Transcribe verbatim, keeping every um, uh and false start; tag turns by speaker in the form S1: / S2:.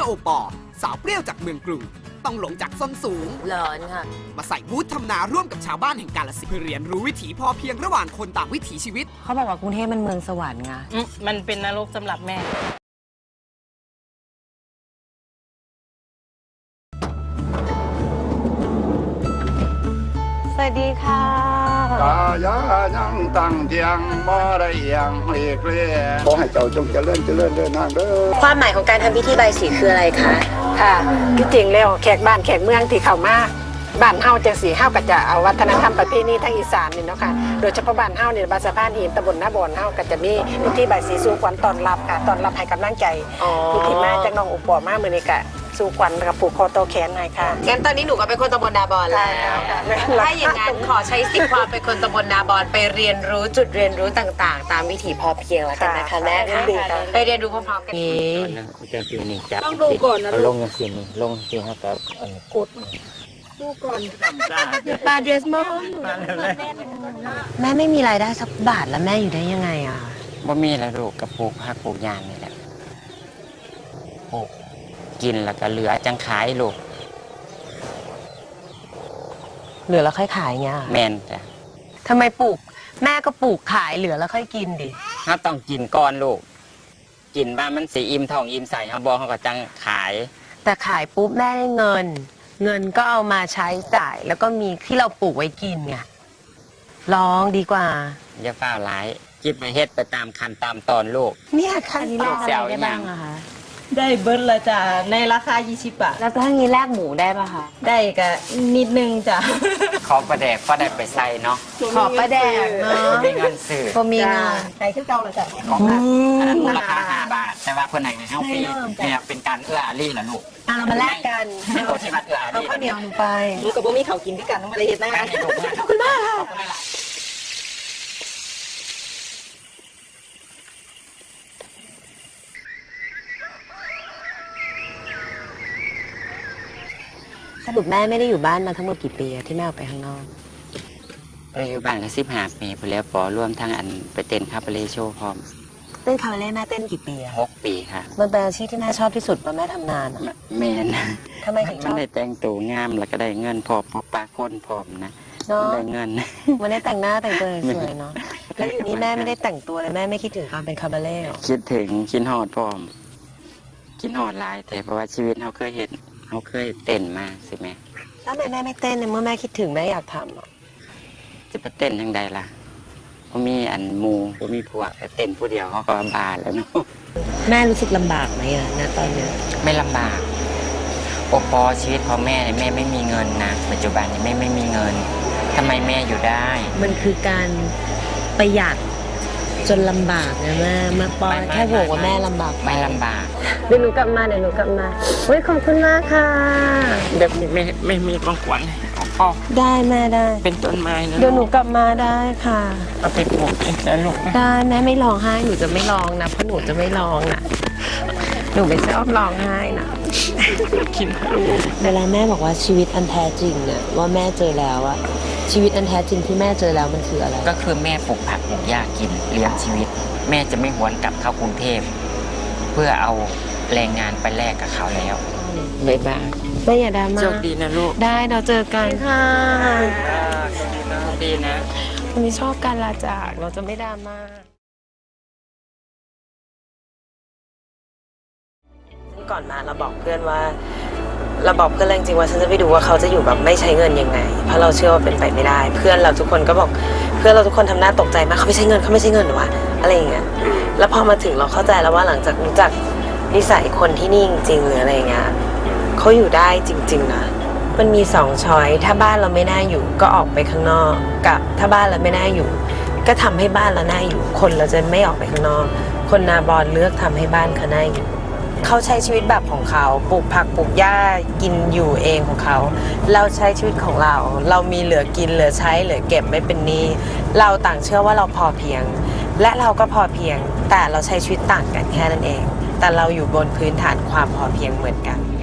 S1: โอปอสาวเปรี้ยวจากเมืองกรุงต้องหลงจากส้นสูง
S2: หลอนค่ะ
S1: มาใส่บูธทำนาร่วมกับชาวบ้านแห่งกาฬสินธุ์เพื่อเรียนรู้วิถีพอเพียงระหว่างคนต่างวิถีชีวิต
S2: เขาบอกว่ากรุงเทพมันเมืองสวรรค์ไง
S3: มันเป็นนรกสำหรับแม่
S2: สวัสดีค่ะ
S4: กายายังตั้งเทียงบ่ได้ยังหลีกเลี่ยงขอให้เจ้าจงเจริญเจริญเดินทางเด้อ
S2: ความหมายของการทำพิธีใบสีคืออะไรคะ
S5: ค่ะที่จริงแล้วแขกบ้านแขกเมืองที่เข้ามาบ้านเฮาจังสีเฮาก็จะเอาวัฒนธรรมประเพณีทางอีสานนี่เนาะค่ะโดยเฉพาะบ้านเฮาเนี่ยบ้านสะพานหินตำบลนาบอนเฮาก็จะมีพิธีใบสีสู่ขวัญต้อนรับค่ะต้อนรับให้กำลังใจผู้ที่มาจากน้องอุปอมามื้อนี้ก็สู่ขวัญกับผูกคอโตแขนหน่อยค่ะ
S2: งั้นตอนนี้หนูก็เป็นคนตำบลนาบอนแล้วถ้าอย่างนั้นขอใช้สิทธิ์ความเป็นคนตำบลนาบอนไปเรียนรู้จุดเรียนรู้ต่างๆตามวิถีพอเพียงแล้วกันนะคะแม่ค่ะไปเรียนรู้พร้อมๆกัน
S6: จะสีนี่จับต้องดูก่อนนะลงอย่างสีนี่ลงสีครับกับกดดูก่อน
S2: ปลาเดรสมอแม่ไม่มีรายได้สักบาทแล้วแม่อยู่ได้ยังไงอ่ะ
S6: ว่ามีอะไรลูกกับปลูกผักปลูกยางนี่แหละปลูกกินแล้วก็เหลือจังขายลูก
S2: เหลือแล้วค่อยขายเงี้ย
S6: แมนจ้ะ
S2: ทำไมปลูกแม่ก็ปลูกขายเหลือแล้วค่อยกินดิ
S6: ถ้าต้องกินก่อนลูกกินบ้านมันสีอิ่มท้องอิ่มใส่เขาบอกเขาก็จังขาย
S2: แต่ขายปุ๊บแม่ได้เงินเงินก็เอามาใช้จ่ายแล้วก็มีที่เราปลูกไว้กินไงลองดีกว่า
S6: อย่าเฝ้าร้ายคิดไปเฮ็ดไปตามคันตามตอนลูก
S2: เนี่ยคันนี้แลกอะไรได้บ้างอะคะ
S3: ได้เบิร์ดละจ้ะในราคายี่สิบบาท
S2: แล้วถ้างี้แลกหมูได้ป่ะคะ
S3: ได้ก็นิดนึงจ้ะ
S6: ขอประแดกก็ได้ไปใส่เนาะ
S2: ขอประแดกเนาะ
S6: มีเงินซื้อ
S2: พอมีเงิน
S3: ใส่ขึ้นเก่าเลยจ้ะ
S6: ของอันนั้นราคาห้าบาทแต่ว่าคนไหนในห้องฟรีเนี่ยเป็นการเอื้ออารีเหรอลูก
S2: เรามาแลกกัน
S6: เอาที่มาเอื้ออารี
S2: เอาข้าวเหนียวไป
S3: ลูกกับโบมี่เขากินด้วยกันต้องมาเรียนนะ
S2: ขอบคุณมากค่ะสรุปแม่ไม่ได้อยู่บ้านมาทั้งหมดกี่ปีที่แม่ออกไปข้างนอก
S6: ไปอยู่บ้านก็สิบห้าปีไปแล้วปอร่วมทั้งอันไปเต้นคาบาเร่โชว์พร้อม
S2: เต้นคาบาเร่แม่เต้นกี่ปี
S6: หกปีค่ะ
S2: มันเป็นอาชีพที่แม่ชอบที่สุดเพราะแม่ทำนาน
S6: แม่นะ
S2: ทำไมถึงชอบ
S6: มันได้แต่งตัวงามแล้วก็ได้เงินพอพอปลาคนพร้อมนะได้เงิน
S2: มันได้แต่งหน้าแต่งตัวสวยเนาะแล้วอยู่นี้แม่ไม่ได้แต่งตัวเลยแม่ไม่คิดถึงการเป็นคาบาเร่
S6: คิดถึงคิดฮอดพร้อมคิดฮอดหลายแต่เพราะว่าชีวิตเขาเคยเห็นเขาเคยเต้นมาสิแม่
S2: แล้วทำไมแม่ไม่เต้นเมื่อแม่คิดถึงแม่อยากทำอ่ะ
S6: จะไปเต้นยังไงล่ะเขามีอันมูเขามีพวกแต่เต้นผู้เดียวเขาก็บาแล้วเนาะ
S2: แม่รู้สึกลำบากไหมอ่ะณตอนนี้
S6: ไม่ลำบากโอปอชีวิตพ่อแม่เนี่ยแม่ไม่มีเงินนะปัจจุบันนี้แม่ไม่มีเงินทำไมแม่อยู่ได้
S2: มันคือการประหยัดจนลำบากนะแม่มาปอแค่บอกว่าแม่ลำบาก
S6: ไม่ลำบาก
S2: เดี๋ยวหนูกลับมาเดี๋ยวหนูกลับมาเฮ้ยขอบคุณมากค่ะ
S6: เดี๋ยวไม่ไม่มีของขวัญพ่อ
S2: ได้แม่ได้
S6: เป็นต้นไม้นะ
S2: เดี๋ยวหนูกลับมาได้ค่ะ
S6: เอาไปปลูกนะลูก
S2: ได้แม่ไม่ร้องไห้หนูจะไม่ร้องนะเพราะหนูจะไม่ร้องนะหนูไม่ชอบร้องไห้นะ
S6: คิดลูก
S2: เวลาแม่บอกว่าชีวิตอันแท้จริงเนี่ยว่าแม่เจอแล้วอะชีวิตอันแท้จริงที่แม่เจอแล้วมันคืออะไร
S6: ก็คือแม่ปลูกผักปลูกหญ้ากินเลี้ยงชีวิตแม่จะไม่หวนกลับเข้ากรุงเทพเพื่อเอาแรงงานไปแลกกับเขาแล้วบ๊ายบาย
S2: แม่อย่าดราม่า
S6: โชคดีนะลูก
S2: ได้เราเจอกันค่ะ
S6: โชคดีนะ
S2: วันนี้ชอบการลาจากเราจะไม่ดราม่าก่อนมาเราบอกเพื่อนว่าเราบอกเพื่อนจริงๆว่าฉันจะไปดูว่าเขาจะอยู่แบบไม่ใช้เงินยังไงเพราะเราเชื่อว่าเป็นไปไม่ได้เพื่อนเราทุกคนก็บอกเพื่อนเราทุกคนทำหน้าตกใจมากเขาไม่ใช้เงินเขาไม่ใช้เงินหรอวะอะไรอย่างเงี้ยแล้วพอมาถึงเราเข้าใจแล้วว่าหลังจากรู้จักนิสัยคนที่นี่จริงๆหรืออะไรเงี้ยเขาอยู่ได้จริงๆนะมันมีสองช้อยถ้าบ้านเราไม่น่าอยู่ก็ออกไปข้างนอกกับถ้าบ้านเราไม่น่าอยู่ก็ทำให้บ้านเราน่าอยู่คนเราจะไม่ออกไปข้างนอกคนนาบอนเลือกทำให้บ้านเขาน่าอยู่เขาใช้ชีวิตแบบของเขาปลูกผักปลูกหญ้ากินอยู่เองของเขาเราใช้ชีวิตของเราเรามีเหลือกินเหลือใช้เหลือเก็บไม่เป็นหนี้เราต่างเชื่อว่าเราพอเพียงและเราก็พอเพียงแต่เราใช้ชีวิตต่างกันแค่นั้นเองแต่เราอยู่บนพื้นฐานความพอเพียงเหมือนกัน